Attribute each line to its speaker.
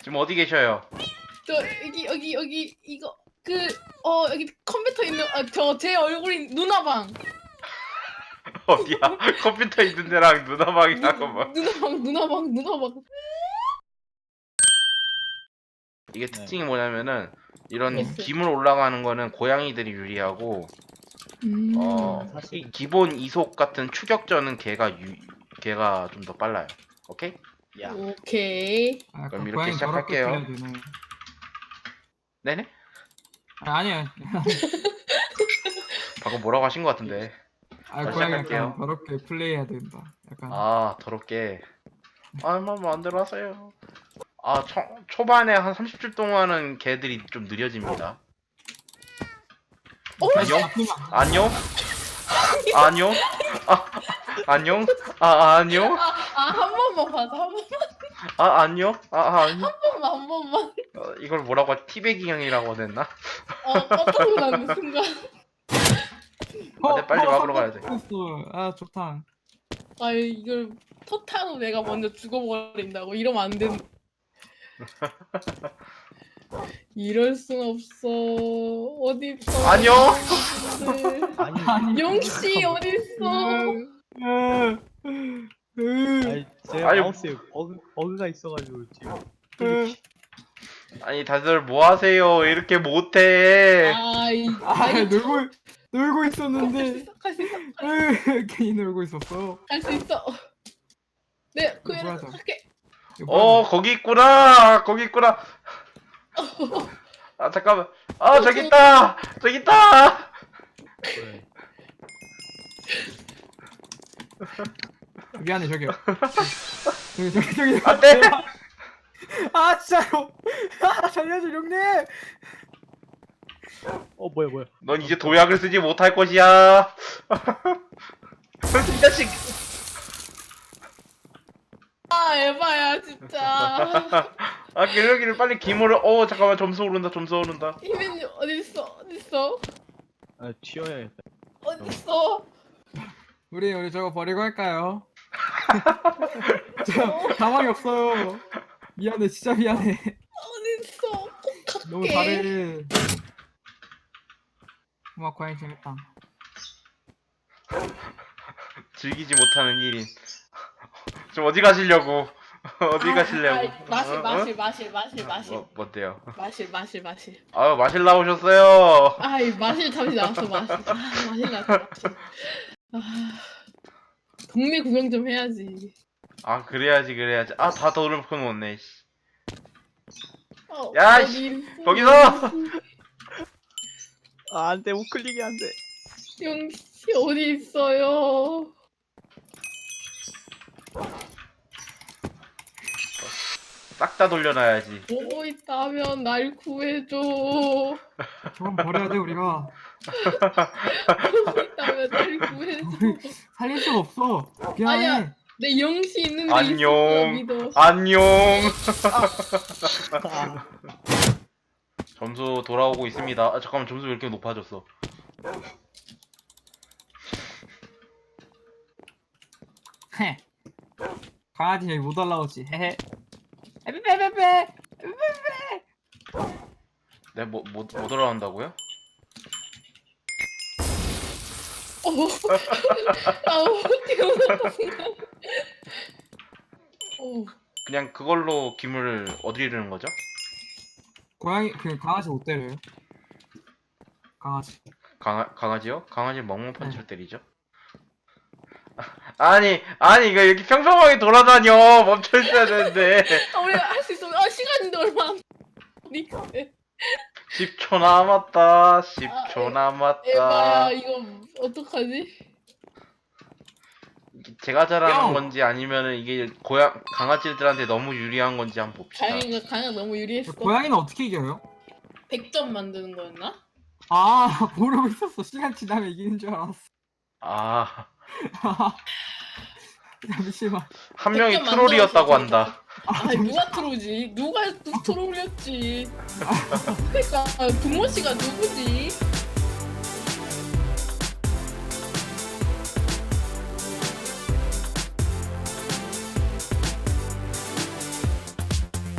Speaker 1: 지금 어디 계셔요?
Speaker 2: 저 여기 이거 여기 컴퓨터 있는 제 얼굴이 누나방.
Speaker 1: 어디야? 컴퓨터 있는 데랑 누나방이라고 막.
Speaker 2: 누나방.
Speaker 1: 이게 특징이 뭐냐면은 이런
Speaker 2: 네.
Speaker 1: 기물 올라가는 거는 고양이들이 유리하고
Speaker 3: 사실
Speaker 1: 이 기본 이속 같은 추격전은 걔가 좀 더 빨라요. 오케이?
Speaker 3: 야
Speaker 2: 오케이.
Speaker 4: 아,
Speaker 1: 그럼 이렇게
Speaker 4: 고양이 더럽게
Speaker 1: 시작할게요.
Speaker 4: 풀려야 되네.
Speaker 1: 네네?
Speaker 4: 아니에요.
Speaker 1: 방금 뭐라고 하신 것 같은데.
Speaker 4: 아,
Speaker 1: 자,
Speaker 4: 고양이
Speaker 1: 시작할게요.
Speaker 4: 약간 더럽게 플레이해야 된다. 약간.
Speaker 1: 아 더럽게. 뭐 마음대로 하세요. 초반에 한 30줄 동안은 걔들이 좀 느려집니다. 안녕? 안녕? 안녕? 안녕? 안녕?
Speaker 2: 한 번만 봐줘. 한
Speaker 1: 안녕? 안녕?
Speaker 2: 번만.
Speaker 1: 이걸 뭐라고 티베기 형이라고 했나?
Speaker 2: 깜짝 놀라는 순간.
Speaker 1: 네, 빨리 막으러 가야 돼.
Speaker 4: 아, 좋다.
Speaker 2: 이걸 토탄으로 내가 먼저 죽어버린다고 이러면 안 된. 이럴 순 없어. 어디 있어?
Speaker 1: 안녕?
Speaker 3: 아니
Speaker 2: 용씨 어디 있어?
Speaker 3: 아니 제가
Speaker 1: 아니,
Speaker 3: 마우스에 버그가 있어가지고 지금
Speaker 1: 아니 다들 뭐 하세요? 이렇게 못해.
Speaker 4: 놀고 있었는데.
Speaker 2: 할 수 있어.
Speaker 4: 괜히 놀고 있었어.
Speaker 2: 할 수 있어. 네, 그냥
Speaker 4: 뭐하자.
Speaker 2: 할게.
Speaker 1: 거기 있구나. 거기 있구나. 잠깐만. 저기 있다. 저기 있다.
Speaker 3: 네.
Speaker 4: 미안해, 저기요. 저기.
Speaker 1: 안 돼.
Speaker 4: 아, 진짜요. 살려줘, 용님.
Speaker 3: 뭐야
Speaker 1: 넌 이제 도약을 쓰지 못할 것이야. 이 자식.
Speaker 2: 에바야 진짜.
Speaker 1: 여기를 빨리 기물을. 잠깐만, 점수 오른다.
Speaker 2: 희민이 어디 있어?
Speaker 3: 아 튀어야겠다
Speaker 2: 어디 있어?
Speaker 4: 우리 저거 버리고 할까요? 저 가망이 없어요. 미안해, 진짜 미안해.
Speaker 2: 어디 있어? 꼭 갈게.
Speaker 4: 너무 잘해. 고마워, 고양이 재밌다.
Speaker 1: 즐기지 못하는 1인. 좀 어디 가시려고? 어디 가시려고?
Speaker 2: 마실.
Speaker 1: 뭔데요?
Speaker 2: 마실.
Speaker 1: 마실 나오셨어요.
Speaker 2: 마실 잠시 나왔어. 마실 나왔어. 동네 구경 좀 해야지.
Speaker 1: 그래야지. 다 더럽혀 놓네.
Speaker 2: 야,
Speaker 1: 거기서!
Speaker 3: 안돼 우클릭이 안돼
Speaker 2: 용씨 어디 있어요?
Speaker 1: 싹 다 돌려놔야지.
Speaker 2: 보고 있다면 날 구해줘.
Speaker 4: 저건 버려야 돼, 우리가.
Speaker 2: 보고 있다면 날 구해줘.
Speaker 4: 살릴 수가 없어. 미안해.
Speaker 2: 아니야. 내 영씨 있는데
Speaker 1: 안녕.
Speaker 2: 있을 거야, 믿어.
Speaker 1: 안녕. 점수 돌아오고 있습니다. 잠깐만, 점수 왜 이렇게 높아졌어?
Speaker 4: 헤. 강아지 여기 못 올라오지. 헤헤. 에베베베베.
Speaker 1: 네, 못 돌아온다고요?
Speaker 2: 어떻게 올라가 순간.
Speaker 1: 그냥 그걸로 기물을 어디르는 거죠?
Speaker 4: 고양이 강아지 못 때려요. 강아지.
Speaker 1: 강아지요? 강아지 멍멍 펀치로 때리죠? 아니 이거 이렇게 평평하게 돌아다녀. 멈춰 있어야 되는데.
Speaker 2: 우리가 할 수 있어. 시간인데 얼마 안 남았는데.
Speaker 1: 10초 남았다. 10초 남았다.
Speaker 2: 에바야 이거 어떡하지?
Speaker 1: 제가 잘하는
Speaker 4: 뿅!
Speaker 1: 건지 아니면은 이게 강아지들한테 너무 유리한 건지 한번 봅시다.
Speaker 2: 강이가 너무 유리했어.
Speaker 4: 고양이는 어떻게 이겨요?
Speaker 2: 100점 만드는 거였나?
Speaker 4: 모르고 있었어. 시간 지나면 이기는 줄 알았어. 잠시만.
Speaker 1: 한 명이
Speaker 2: 100점
Speaker 1: 트롤이었다고
Speaker 2: 만들었어,
Speaker 1: 한다.
Speaker 2: 누가 트롤이지? 누가 트롤이었지? 그러니까 동모 씨가 누구지?